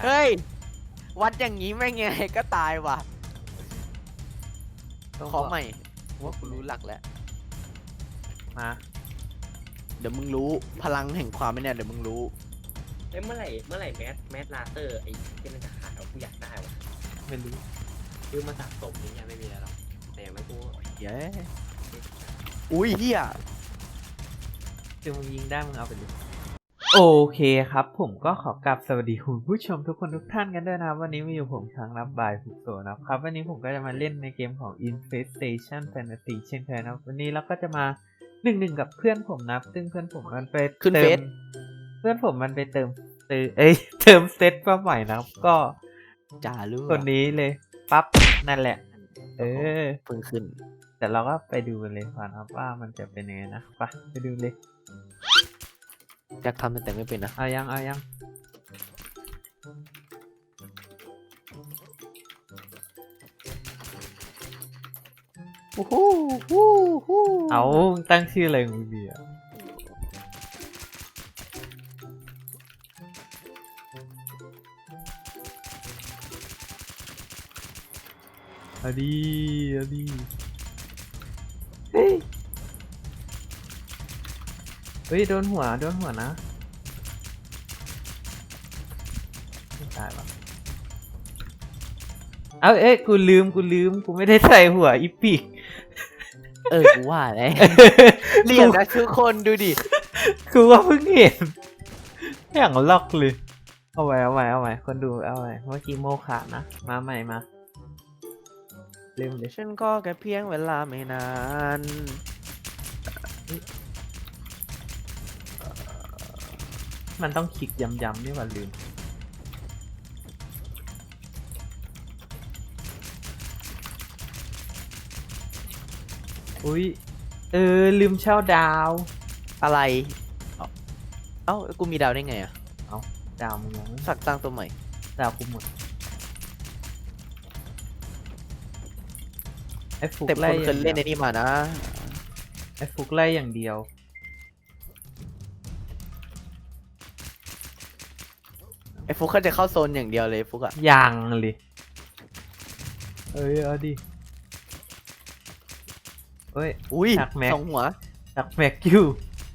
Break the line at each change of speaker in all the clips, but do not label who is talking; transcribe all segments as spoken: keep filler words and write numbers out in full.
เฮ้ยวัดอย่างนี้ไม่ไงก็ตายว่ะขอใหม่ว่ากูรู้หลักแล้ว
มา
เดี๋ยวมึงรู้พลังแห่งความไม่เนี่ยเดี๋ยวมึงรู้
เอ้ยเมื่อไหร่เมื่อไหร่แมสแมสลาเตอร์ไอ้ที่มันจะขายเอากูอยากได้ว่ะ
ไม่รู้
ซื้อมาสะสมนี่ยังไม่มีแล้วหรอกแต่อย่างไม่กู
เย้อุ้ยเฮีย
คือมึงยิงได้มึงเอาไปเลยโอเคครับผมก็ขอกลับสวัสดีคุณผู้ชมทุกคนทุกท่านกันด้วยนะครับวันนี้มาอยู่ผมช้างรับบายฟุกโซนะครับวันนี้ผมก็จะมาเล่นในเกมของ Infestation Fantasy เช่นเคยนะครับวันนี้เราก็จะมาหนึ่งหนึ่งกับเพื่อนผมนะซึ่งเพื่อนผมมันไป
ขึ้น
เติ
เฟ
ม
ซ
เพื่อนผมมันไปเติมเติมเอ้ยเติมเซตมาใหม่นะครับก็
จ่ารู้
คนนี้เลยปั๊บนั่นแหละเออ
เพิ่งขึ้น
แต่เราก็ไปดูกันเลยก่อนครับว่ามันจะเป็นยังไงนะไปไปดูเลย
อยากทำแต่ไม่เป็นนะ
เอายังเอายัง
โอ้โหฮู้ฮู้
เอาตั้งชื่ออะไรมึงดีอ่ะเอาดีเอาดีเฮ้ยเฮ้ยโดนหัวโดนหัวนะไม่ตายหรอเอาเอ๊ะกูลืมกูลืมกูไม่ได้ใส่หัวอีปิก
เออกูว่าแล้วเรียกนะทุกคนดูดิ
กูว่าเพิ่งเห็นอย่างล็อกเลยเอาไว้เอาไว้เอาไว้คนดูเอาไว้เมื่อกี้โมขาดนะมาใหม่มาลืมเลย
ฉันก็แค่เพียงเวลาไม่นาน
มันต้องคลิกย้ำๆนี่หว่าลืมอุ้ยเออลืมเช่าดาว
อะไร เอ้าเอ้ากูมีดาวได้ไงอะ
เอาดาวมึงยังไม่
สักตั้งตัวใหม่
ดาวกูหมดไอ้ฟุก
แต่
ไล่
คนเคยเล่นในนี่มานะ
ไอ้ฟุกไล่อย่างเดียว
ไอ้ฟุกเขาจะเข้าโซนอย่างเดียวเลยฟุกอะ
ยังเลยเอ้ยเอาดิเอ้ย
อุ้ย
ชักแม็ก
สองหัว
ดักแม็กอยู่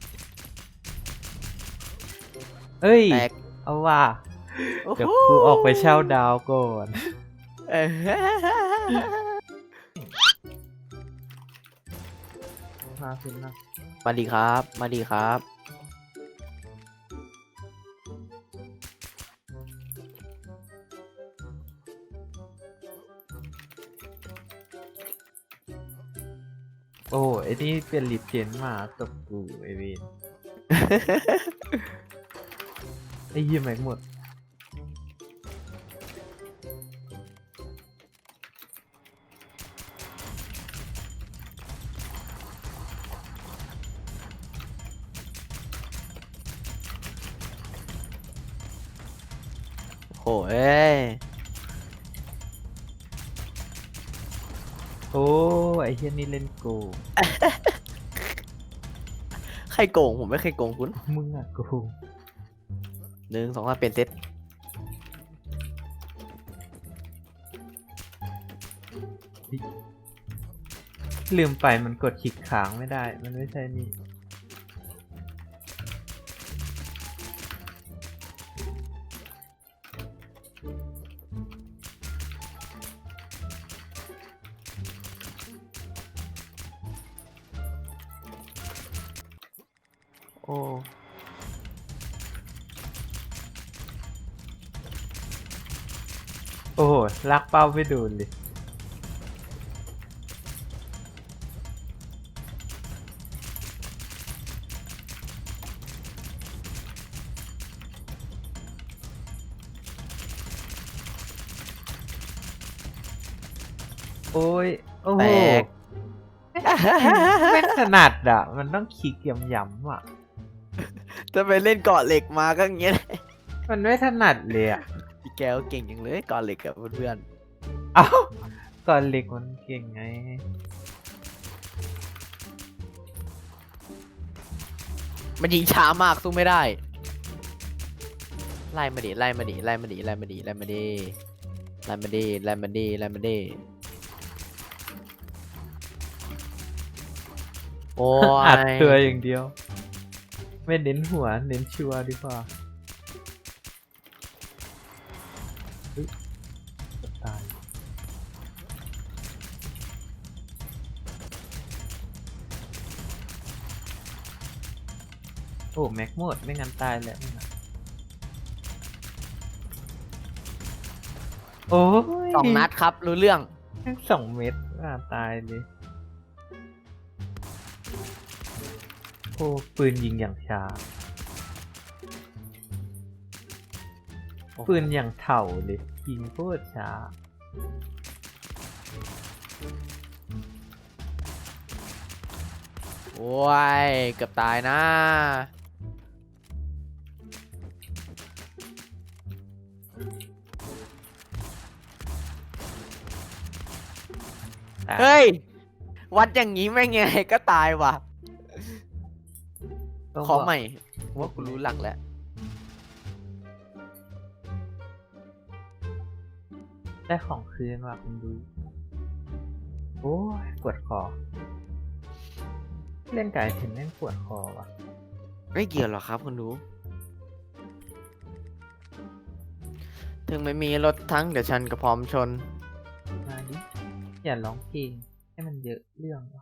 เอ้ย
แตก
เอาว่า
โอ้โห
เดี๋ยวกูออกไปเช่าดาวก่อน
เออ
มาขึ้นนะ
มาดีครับ มาดีครับ
โอ้ไอ้นี่เป็นลิปเจนมาตบกูไอเวนไอ้ยี่แม็กหมด
โอ้ย
โอ้ไอ้เฮียนี่เล่นโกง
ใครโกงผมไม่เคยโกงคุณ
มึงอะโกง
หนึ่งสองสามเปลี่ยนเซต
ลืมไปมันกดคลิกค้างไม่ได้มันไม่ใช่นี่
โอ้
โอ้โหลักเป้าไปโดนเลยโอ้ยโอ้โห
แตก
ไม่ถนัดอ่ะ มันต้องคลิกย้ำๆอ่ะ
จะไปเล่นเกาะเหล็กมาก็อย่างเงี้ย
มันไม่ถนัดเลยอ่ะ
พี่แก้วเก่งอย่างเลยเกาะเหล็กกับเพื่อน
เอ้าก่อนเหล็กมันเก่งไง
ๆมันยิงช้ามากสู้ไม่ได้
ม
ไล่มาดิไล่มาดิไล่มาดิไล่มาดิไล่มาดิไล่มาดิไล่มาดิไล่มาดิโอ้
อัด
ย
ตัวอย่างเดียว ไม่เน้นหัวเน้นชัวร์ดีกว่าเฮ้ยตายโอ้แม็กหมดไม่งั้นตายแล้วนี่นะโอ้ย
สองนัดครับรู้เรื่อง
สองเม็ดอ่าตายเลยโอ้ปืนยิงอย่างช้า ปืนอย่างเถ่าเลยยิงโคตรช้า
โอ้ยเกือบตายนะเฮ้ยวัดอย่างนี้ไม่ไงก็ตายว่ะ
ต้อง
ขอ
บอก
ใหม่ว่ากูรู้หลักแล้ว
ได้ของคืนว่ะคุณดู โอ้ยปวดคอ เล่นไก่เห็นแม่งปวดคอว่ะ
ไม่เกี่ยวหรอกครับคุณรู้ ถึงไม่มีรถทั้งเดี๋ยวฉันก็พร้อมชน
มาดิ อย่าร้องเพลงให้มันเยอะเรื่องว่ะ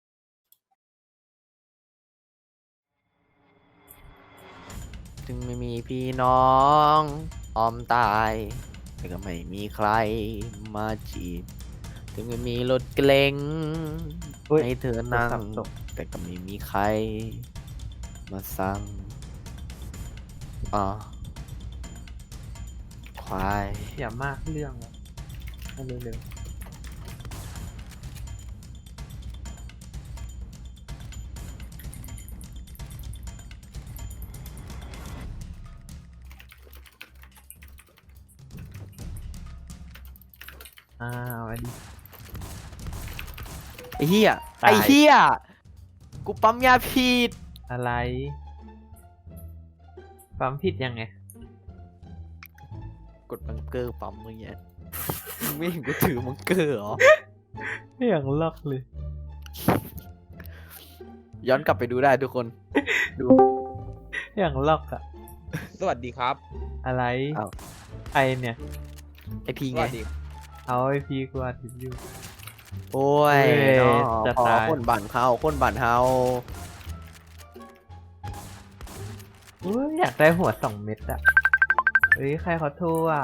ถึงไม่มีพี่น้องออมตายแต่ก็ไม่มีใครมาจีบ ถึงไม่มีรถเกล็ง
เฮ้ย
ให้เธอนั่ง
โทรศัพท์ตก
แต่ก็ไม่มีใคร มาสั่งอ๋อควาย
อย่ามากเรื่องว่ะเอาเร็วๆอ้าวอันนี้
ไอ้เหี้ย
ตาย
ไอ้เหี้ยกูปั๊มยาผิด
อะไร ความผิดยังไง
กดบังเกอร์ปั๊มเมื่อกี้มึงไม่เห็นกูถือบังเกอร์เหรอ
อย่างล็อกเลย
ย้อนกลับไปดูได้ทุกคน ดู
อย่างล็อกอะ
สวัสดีครับ
อะไร
อ้าว
ไอเนี่ย
ไอพี
ส
ไง
วัสดี
เอาไอพีกว่าทิดอยู่
โอ้ย
เอ้ย
เนาะ
จะ
พอ
ตาย
คนบั่นเขาคนบั่นเฮา
อุ้ยอยากได้หัวสองเม็ดอะเฮ้ย ใครเขาโทรอ่ะ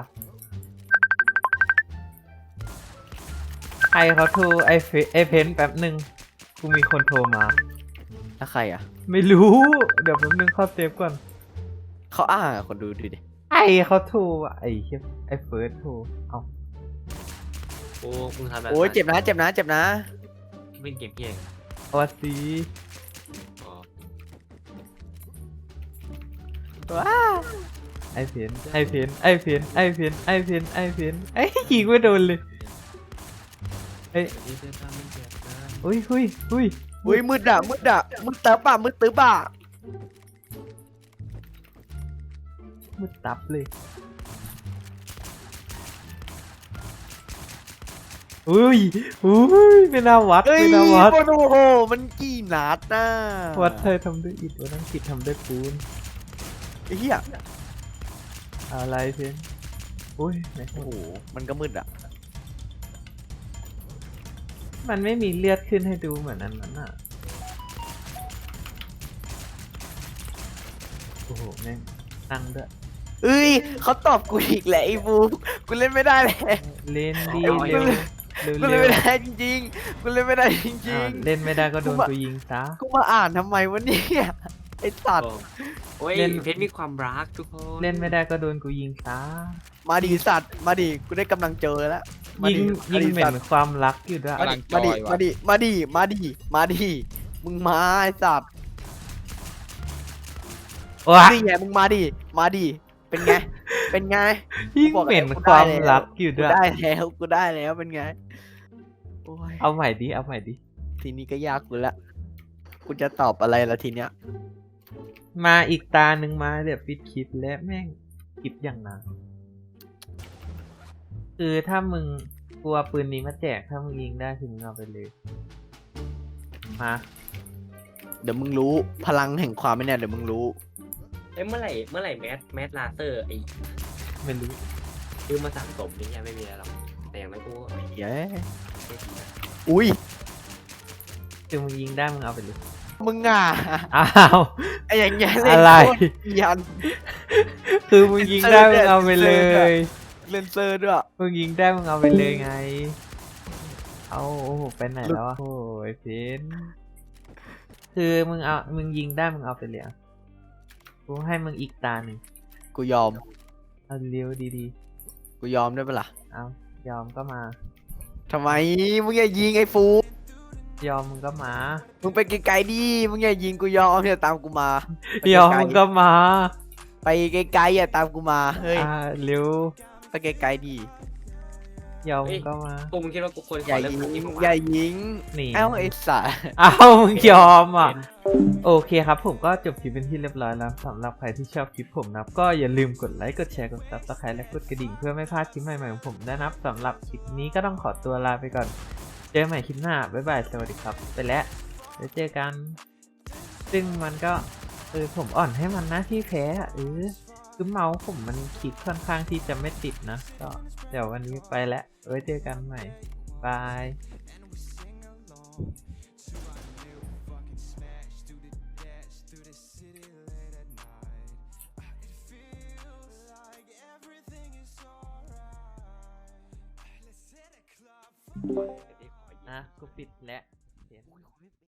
ใครเขาโทรไอเฟไอเพนแป๊บหนึ่งกูมีคนโทรมา
แล้วใครอ่ะ
ไม่รู้ เดี๋ยวแป๊บนึงเข้าเซฟก่อน
เขาอ้างอะคนดูดูดิ
ไอเขาโทรอ่ะ ไอเฮียไอเฟิร์สโทร เอา
โอ้มึงทำแบบ
โอ้ยเจ็บนะเจ็บนะเจ็บนะ
เล่นเกมเพี้ยง
เอาวะซี
อ๋อ
ว้า
ไอเพนไอเพนไอเพนไอเพนไอเพนไอเพนไอยิงไม่โดนเลยเอ้ย
นี่เป็นการเล่นเกมนะ
อุ้ยอุ้ยอุ้ย
อุ้ยมืดอะมืดอะมืดเติบอะมืดตึบอะ
มืดตับเลยอุ้ยอุ้ยไม่น่าวัด
เฮ้ย
ไม่น่าวัด
โอ้โหมันกี่นัดน่ะ
วัดเธอทำด้วยอิฐวัดทั้งกิจทำด้วยปูน
ไอ้เหี้ย
อะไรเพนอุ้ยไหน
โอ้โหมันก็มืดอะ
มันไม่มีเลือดขึ้นให้ดูเหมือนอันนั้นอ่ะโอ้โหแม่งตั้งด้วย
เอ้ยเขาตอบกูอีกแหละไอ้บูกูเล่นไม่ได้เลย
เล่นดี
เอา
เร็ว
เร็ว
เร็ว
กู
เร็
เล่น
ว
ไม่ได้จริงๆกูเล่นไม่ได้จริ
อ้าว
ง
เล่นไม่ได้ก็โดน
กูว่า
กูยิงซะ
ๆกูมาอ่านทำไมวะเนี่ยไอ้สัตว์
โอ้ย
เล่น
เพชรมีความรักทุกคน
เล่นไม่ได้ก็โดนกูยิงซะ
มาดีสัตว์มาดีกูได้กำลังเจอแล้วมา
ยิง
ดิ
ยิง
มา
เหม็
สัต
น
ว์
ความรักอยู่ด้วย
กำลังจ
มา
อ
ดิ
ยว่ะ
มาดิมาดิมาดิมาดิมึงมาไอ้สัตว์
ว้า
นี่ไงมึงมาดิมาดิเป็นไงเป็นไง
ยิงเหม็นความรักอยู่
กู
ด้วย
ได้แล้วกูได้แล้วเป็นไงโอ้ย
เอาใหม่ดิเอาใหม่ดิ
ทีนี้ก็ยากกูละกูจะตอบอะไรละทีเนี้ย
มาอีกตาหนึ่งมาเดี๋ยวปิดคลิปแล้วแม่งคลิปอย่างนั้นคือถ้ามึงกลัวปืนนี้มาแจกถ้ามึงยิงได้คือมึงเอาไปเลยมา
เดี๋ยวมึงรู้พลังแห่งความไม่แน่เดี๋ยวมึงรู้
เอ้ยเมื่อไหร่เมื่อไหร่แมสแมสลาเตอร์ไอ้
ไม่รู้
ซื้อมาสั่งสมนี่ยังไม่มีอะไรหรอกแต่อย่างนั้นกูก็
เย้อุ้ย
คือมึงยิงได้มึงเอาไปเลย
มึงอ่ะ
อ้าว
ไอ้อย่างเงี้ยเล่น
อะไร
โคตยัน
คือมึงยิงได้มึงเอาไปเลย
เล่นเซอร์ด้วย
มึงยิงได้มึงเอาไปเลยไง เอาโอ้โหไปไหนแล้ววะโอ้ยเพนคือมึงเอามึงยิงได้มึงเอาไปเลยอะกูให้มึงอีกตาหนึ่ง
กูยอม
เอาเร็วดี
กูยอมได้ปะล่ะ
ๆเอายอมก็มา
ทำไมมึงอย่ายิงไอ้ฟู
ยอมมึงก็มา
มึงไปไกลๆดิมึงอย่ายิงกูยอมอย่าตามกูมาไป
ยอม
ไกลๆ
มึงก็มา
ไปไกลๆอย่าตามกูมาเฮ้ย
อ่าเร็ว
ไปไกลๆดิ
ยอมมึงก็มา
กูมึงคิดว่ากูควรข
อย่า
อเริ่ม
ยิง
คลิปของ
อย่ายิง
หนี
เอ้าไอ้สัส
อ้าวมึงยอมอ่ะ โอเคครับผมก็จบคลิปเป็นที่เรียบร้อยแล้วสำหรับใครที่ชอบคลิปผมนะครับก็อย่าลืมกดไลค์กดแชร์กดซับสไครต์และกดกระดิ่งเพื่อไม่พลาดคลิปใหม่ๆของผมด้วยนะครับสำหรับคลิปนี้ก็ต้องขอตัวลาไปก่อนเจอกันใหม่คลิปหน้าบ๊ายบายสวัสดีครับไปแล้วเดี๋ยวเจอกัน ซึ่งมันก็เออผมอ่อนให้มันนะที่แพ้อะเออคือเมาส์ผมมันคลิกค่อนข้างที่จะไม่ติดนะก็เดี๋ยววันนี้ไปแล้วไว้เจอกันใหม่บาย นะกูปิดแล้ว